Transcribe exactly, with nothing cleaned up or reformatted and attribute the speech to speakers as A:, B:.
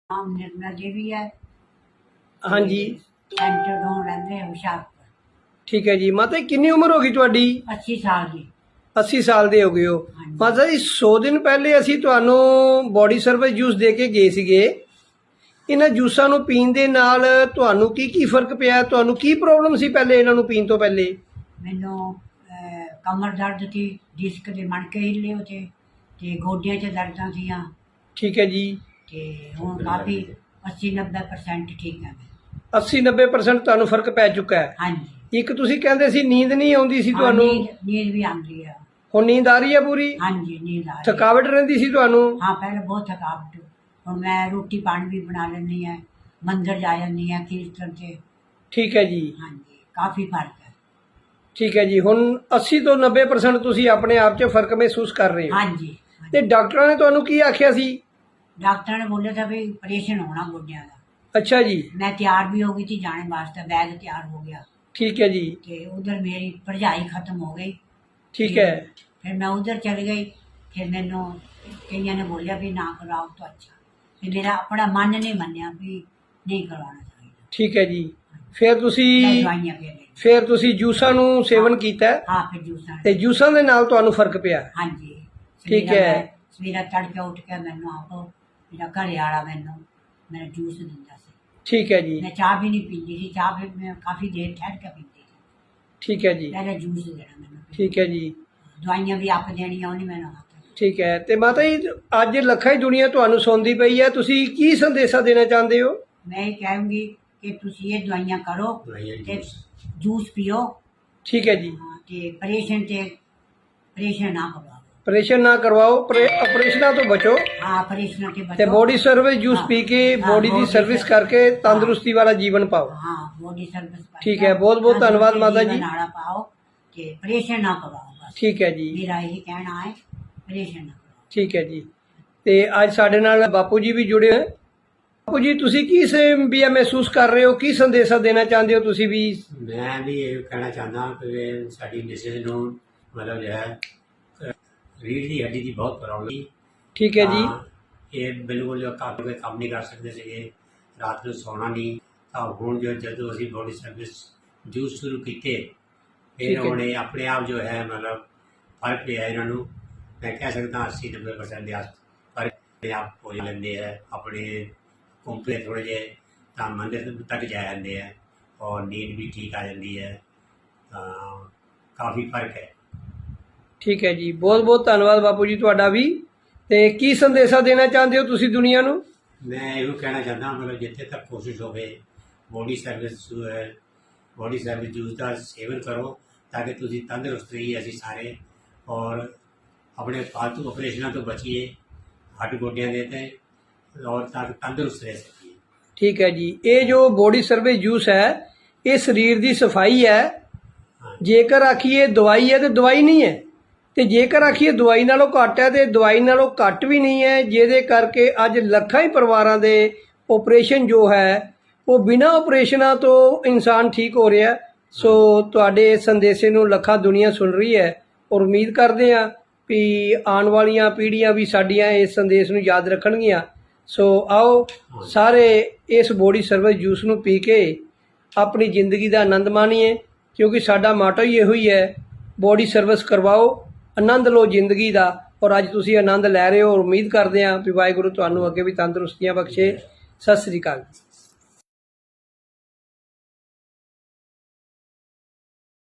A: ਨਾਮ ਨਿਰਮਲਾ ਦੇਵੀ ਹੈ।
B: हाँ जी।
A: ਸੈਂਟਰ ਤੋਂ ਰਹਿੰਦੇ ਹਾਂ ਹੁਸ਼ਿਆਰਪੁਰ।
B: ठीक है जी। माता जी कितनी उम्र होगी ਤੁਹਾਡੀ?
A: अस्सी साल ਦੀ।
B: अस्सी साल ਦੇ ਹੋ ਗਏ ਹੋ।
A: ਹਾਂਜੀ।
B: ਮਾਤਾ ਜੀ सौ ਦਿਨ ਪਹਿਲੇ ਅਸੀਂ ਤੁਹਾਨੂੰ ਬੋਡੀ ਸਰਵਿਸ ਜੂਸ ਦੇ ਕੇ ਗਏ ਸੀਗੇ। ਇਹਨਾਂ ਜੂਸਾਂ ਨੂੰ ਪੀਣ ਦੇ ਨਾਲ ਤੁਹਾਨੂੰ ਕੀ ਕੀ ਫਰਕ ਪਿਆ? ਤੁਹਾਨੂੰ ਕੀ ਪ੍ਰੋਬਲਮ ਸੀ ਪਹਿਲੇ ਇਹਨਾਂ ਨੂੰ ਪੀਣ ਤੋਂ ਪਹਿਲੇ?
A: ਮੈਨੂੰ ਅਹ, ਕਮਰ ਦਰਦ ਸੀ, ਡਿਸਕ ਦੇ ਮਣਕੇ ਹਿੱਲੇ ਹੋਤੇ ਤੇ ਗੋਡਿਆਂ 'ਚ ਦਰਦਾਂ ਸੀਆਂ
B: ठीक है जी।
A: ਤੇ ਹੁਣ ਕਾਫੀ अस्सी नब्बे परसेंट ਠੀਕ ਹੈ ਮੈਂ।
B: अस्सी नब्बे परसेंट ਤੁਹਾਨੂੰ ਫਰਕ ਪੈ ਚੁੱਕਾ ਹੈ।
A: ਹਾਂਜੀ।
B: ਇੱਕ ਤੁਸੀਂ ਕਹਿੰਦੇ ਸੀ ਨੀਂਦ ਨਹੀਂ ਆਉਂਦੀ ਸੀ
A: ਹਾਂ,
B: ਤੁਹਾਨੂੰ,
A: ਨੀਂਦ ਨੀਂਦ ਵੀ ਆਉਂਦੀ ਹੈ।
B: ਹੁਣ ਨੀਂਦ ਆ ਰਹੀ ਹੈ ਪੂਰੀ?
A: ਹਾਂਜੀ ਨੀਂਦ ਆ ਰਹੀ ਹੈ।
B: ਥਕਾਵਟ ਰਹਿੰਦੀ ਸੀ ਤੁਹਾਨੂੰ?
A: ਹਾਂ ਪਹਿਲਾਂ ਬਹੁਤ ਥਕਾਵਟ। ਹੁਣ ਮੈਂ ਰੋਟੀ ਪਾਣੀ ਵੀ ਬਣਾ ਲੈਂਦੀ ਹਾਂ, ਮੰਦਰ ਜਾ ਜਾਂਦੀ ਹਾਂ ਕੀਰਤਨ 'ਚ।
B: ਠੀਕ ਹੈ ਜੀ।
A: ਹਾਂਜੀ ਕਾਫੀ ਫਰਕ ਹੈ।
B: ਠੀਕ ਹੈ ਜੀ। ਹੁਣ अस्सी ਤੋਂ नब्बे परसेंट ਤੁਸੀਂ ਆਪਣੇ ਆਪ 'ਚ ਫਰਕ ਮਹਿਸੂਸ ਕਰ ਰਹੇ ਹੋ।
A: ਹਾਂਜੀ।
B: ਤੇ ਡਾਕਟਰਾਂ ਨੇ ਤੁਹਾਨੂੰ ਕੀ ਆਖਿਆ ਸੀ?
A: डॉक्टर ने बोला था भाई ऑपरेशन होना गोड्या का।
B: अच्छा जी।
A: मैं तैयार भी हो गई थी जाने वास्ते, बैग तैयार हो गया।
B: ठीक है जी।
A: ते उधर मेरी पढ़ाई खत्म हो गई।
B: ठीक है।
A: फिर मैं उधर चल गई। फिर मैनू कईया ने बोलिया भी ना कराओ तो अच्छा। फिर मेरा अपना मन नहीं मन्या भी नहीं करवाना चाहिए।
B: ठीक है जी। फिर ਤੁਸੀਂ
A: दवाइयां फिर ली।
B: ਫਿਰ ਤੁਸੀਂ ਜੂਸਾਂ ਨੂੰ ਸੇਵਨ ਕੀਤਾ ਹੈ
A: हाँ फिर जूसा
B: ਤੇ ਜੂਸਾਂ ਦੇ ਨਾਲ ਤੁਹਾਨੂੰ ਫਰਕ ਪਿਆ?
A: हाँ जी।
B: ठीक
A: सवेरा
B: है।
A: मैं- सवेरा तड़के उठ के मैनू आप मेरा घरे वाला मैनू मेरा जूस दिंदा सी।
B: ठीक है जी।
A: मैं चाह भी नहीं पीती थी, चाह फिर मैं काफी देर ठहर के पीती थी।
B: ठीक है जी।
A: पहले जूस देना मैंने।
B: ठीक है जी।
A: ਦਵਾਈਆਂ ਵੀ ਆਪ ਦੇਣੀਆਂ ਉਹਨੇ ਮੈਨੂੰ ਹੱਥ।
B: ਠੀਕ ਹੈ। ਤੇ ਮਾਤਾ ਜੀ ਅੱਜ ਲੱਖਾਂ ਹੀ ਦੁਨੀਆ ਤੁਹਾਨੂੰ ਸੁਣਦੀ ਪਈ ਹੈ, ਤੁਸੀਂ ਕੀ ਸੰਦੇਸ਼ਾ ਦੇਣਾ ਚਾਹੁੰਦੇ ਹੋ?
A: ਮੈਂ ਇਹ ਕਹਾਂਗੀ ਕਿ ਤੁਸੀਂ ਇਹ ਦਵਾਈਆਂ ਕਰੋ ਤੇ ਜੂਸ ਪੀਓ।
B: ਠੀਕ ਹੈ ਜੀ।
A: ਹਾਂ, ਤੇ ਆਪਰੇਸ਼ਨ ਤੇ ਆਪਰੇਸ਼ਨ ਨਾ ਕਰਵਾਓ।
B: ਆਪਰੇਸ਼ਨ ਨਾ ਕਰਵਾਓ, ਆਪਰੇਸ਼ਨਾਂ ਤੋਂ ਬਚੋ
A: ਹਾਂ ਆਪਰੇਸ਼ਨ ਤੇ
B: ਤੇ
A: ਬਚੋ।
B: ਬੋਡੀ ਸਰਵਿਸ ਜੂਸ
A: ਹਾਂ,
B: ਪੀ ਕੇ
A: ਹਾਂ,
B: ਬੋਡੀ ਦੀ
A: body
B: ਸਰਵਿਸ
A: service,
B: ਕਰਕੇ ਤੰਦਰੁਸਤੀ ਵਾਲਾ ਜੀਵਨ ਪਾਓ।
A: ਹਾਂ ਬੋਡੀ ਸਰਵਿਸ ਪਾਓ।
B: ਠੀਕ ਹੈ, ਬਹੁਤ ਬਹੁਤ ਧੰਨਵਾਦ ਮਾਤਾ ਜੀ।
A: ਨਾੜਾ ਪਾਓ ਤੇ ਆਪਰੇਸ਼ਨ ਨਾ ਕਰਵਾਓ ਬਸ।
B: ਠੀਕ ਹੈ ਜੀ।
A: ਮੇਰਾ ਇਹ ਕਹਿਣਾ ਹੈ ਆਪਰੇਸ਼ਨ ਨਾ ਕਰਵਾਓ।
B: ਠੀਕ ਹੈ ਜੀ। ਤੇ ਅੱਜ ਸਾਡੇ ਨਾਲ ਬਾਪੂ ਜੀ ਵੀ ਜੁੜੇ ਹੋਏ। ਬਾਪੂ ਜੀ ਤੁਸੀਂ ਕੀ ਸੇ ਵੀ ਇਹ ਮਹਿਸੂਸ ਕਰ ਰਹੇ ਹੋ, ਕੀ ਸੰਦੇਸ਼ਾ ਦੇਣਾ ਚਾਹੁੰਦੇ ਹੋ ਤੁਸੀਂ ਵੀ?
C: ਮੈਂ ਵੀ ਇਹ ਕਹਿਣਾ ਚਾਹੁੰਦਾ ਕਿ ਸਾਡੀ ਮਿਸਿਸ ਨੂੰ ਮਤਲਬ ਜੋ ਹੈ ਰੀੜ੍ਹ ਦੀ ਹੱਡੀ ਦੀ ਬਹੁਤ ਪ੍ਰੋਬਲਮ।
B: ਠੀਕ ਹੈ ਜੀ।
C: ਇਹ ਬਿਲਕੁਲ ਜੋ ਘਰ ਕੋਈ ਕੰਮ ਨਹੀਂ ਕਰ ਸਕਦੇ ਸੀਗੇ, ਰਾਤ ਨੂੰ ਸੌਣਾ ਨਹੀਂ। ਤਾਂ ਹੁਣ ਜੋ ਜਦੋਂ ਅਸੀਂ ਬੋਡੀ ਸਰਵਿਸ ਜੂਸ ਸ਼ੁਰੂ ਕੀਤੇ ਫਿਰ
B: ਠੀਕ ਹੈ।
C: ਹੁਣ ਇਹ ਆਪਣੇ ਆਪ ਜੋ ਹੈ ਮਤਲਬ ਫਰਕ ਪਿਆ ਇਹਨਾਂ ਨੂੰ। ਮੈਂ ਕਹਿ ਸਕਦਾ अस्सी नब्बे परसेंट ਦੇ ਆਸ ਫਰਕ ਆਪਣੇ ਆਪ ਹੋ ਲੈਂਦੇ ਹੈ। ਆਪਣੇ ਘੁੰਮਦੇ ਥੋੜ੍ਹੇ ਜਿਹੇ ਤਾਂ ਮੰਦਿਰ ਤੱਕ ਜਾ ਜਾਂਦੇ ਹੈ ਔਰ ਨੀਂਦ ਵੀ ਠੀਕ ਆ ਜਾਂਦੀ ਹੈ। ਤਾਂ ਕਾਫੀ ਫਰਕ ਹੈ।
B: ਠੀਕ ਹੈ ਜੀ। ਬਹੁਤ ਬਹੁਤ ਧੰਨਵਾਦ ਬਾਪੂ ਜੀ ਤੁਹਾਡਾ ਵੀ। ਤੇ ਕੀ ਸੰਦੇਸ਼ਾ ਦੇਣਾ ਚਾਹੁੰਦੇ ਹੋ ਤੁਸੀਂ ਦੁਨੀਆ ਨੂੰ?
C: ਮੈਂ ਇਹੋ ਕਹਿਣਾ ਚਾਹੁੰਦਾ ਮਤਲਬ ਜਿੱਥੇ ਤੱਕ ਕੋਸ਼ਿਸ਼ ਹੋਵੇ ਬੋਡੀ ਸਰਵਿਸ ਜੋ ਹੈ ਬੋਡੀ ਸਰਵਿਸ ਜੂਸ ਦਾ ਸੇਵਨ ਕਰੋ ਤਾਂ ਕਿ ਤੁਸੀਂ ਤੰਦਰੁਸਤ ਰਹੀਏ ਅਸੀਂ ਸਾਰੇ ਔਰ ਆਪਣੇ ਫਾਲਤੂ ਆਪਰੇਸ਼ਨਾਂ ਤੋਂ ਬਚੀਏ, ਹੱਡ ਗੋਡਿਆਂ ਦੇ ਤੇ ਔਰ ਤਾਂ ਤੰਦਰੁਸਤ ਰਹਿ ਸਕੀਏ।
B: ਠੀਕ ਹੈ ਜੀ। ਇਹ ਜੋ ਬੋਡੀ ਸਰਵਿਸ ਜੂਸ ਹੈ ਇਹ ਸਰੀਰ ਦੀ ਸਫਾਈ ਹੈ। ਜੇਕਰ ਆਖੀਏ ਦਵਾਈ ਹੈ ਤੇ ਦਵਾਈ ਨਹੀਂ ਹੈ, ਤੇ ਜੇਕਰ ਆਖੀਏ ਦਵਾਈ ਨਾਲੋਂ ਘੱਟ ਹੈ ਤੇ ਦਵਾਈ ਨਾਲੋਂ ਘੱਟ ਵੀ ਨਹੀਂ ਹੈ, ਜਿਹਦੇ ਕਰਕੇ ਅੱਜ ਲੱਖਾਂ ਹੀ ਪਰਿਵਾਰਾਂ ਦੇ ਆਪਰੇਸ਼ਨ ਜੋ ਹੈ ਉਹ ਬਿਨਾਂ ਆਪਰੇਸ਼ਨਾਂ ਤੋਂ ਇਨਸਾਨ ਠੀਕ ਹੋ ਰਿਹਾ। ਸੋ ਤੁਹਾਡੇ ਇਸ ਸੰਦੇਸ਼ੇ ਨੂੰ ਲੱਖਾਂ ਦੁਨੀਆ ਸੁਣ ਰਹੀ ਹੈ ਔਰ ਉਮੀਦ ਕਰਦੇ ਹਾਂ ਵੀ ਆਉਣ ਵਾਲੀਆਂ ਪੀੜ੍ਹੀਆਂ ਵੀ ਸਾਡੀਆਂ ਇਸ ਸੰਦੇਸ਼ ਨੂੰ ਯਾਦ ਰੱਖਣਗੀਆਂ। ਸੋ ਆਓ ਸਾਰੇ ਇਸ ਬੋਡੀ ਸਰਵਿਸ ਜੂਸ ਨੂੰ ਪੀ ਕੇ ਆਪਣੀ ਜ਼ਿੰਦਗੀ ਦਾ ਆਨੰਦ ਮਾਣੀਏ, ਕਿਉਂਕਿ ਸਾਡਾ ਮਾਟੋ ਹੀ ਇਹੋ ਹੀ ਹੈ, ਬੋਡੀ ਸਰਵਿਸ ਕਰਵਾਓ, ਆਨੰਦ ਲਓ ਜ਼ਿੰਦਗੀ ਦਾ। ਔਰ ਅੱਜ ਤੁਸੀਂ ਆਨੰਦ ਲੈ ਰਹੇ ਹੋ ਔਰ ਉਮੀਦ ਕਰਦੇ ਹਾਂ ਵੀ ਵਾਹਿਗੁਰੂ ਤੁਹਾਨੂੰ ਅੱਗੇ ਵੀ ਤੰਦਰੁਸਤੀਆਂ ਬਖਸ਼ੇ। ਸਤਿ ਸ੍ਰੀ ਅਕਾਲ।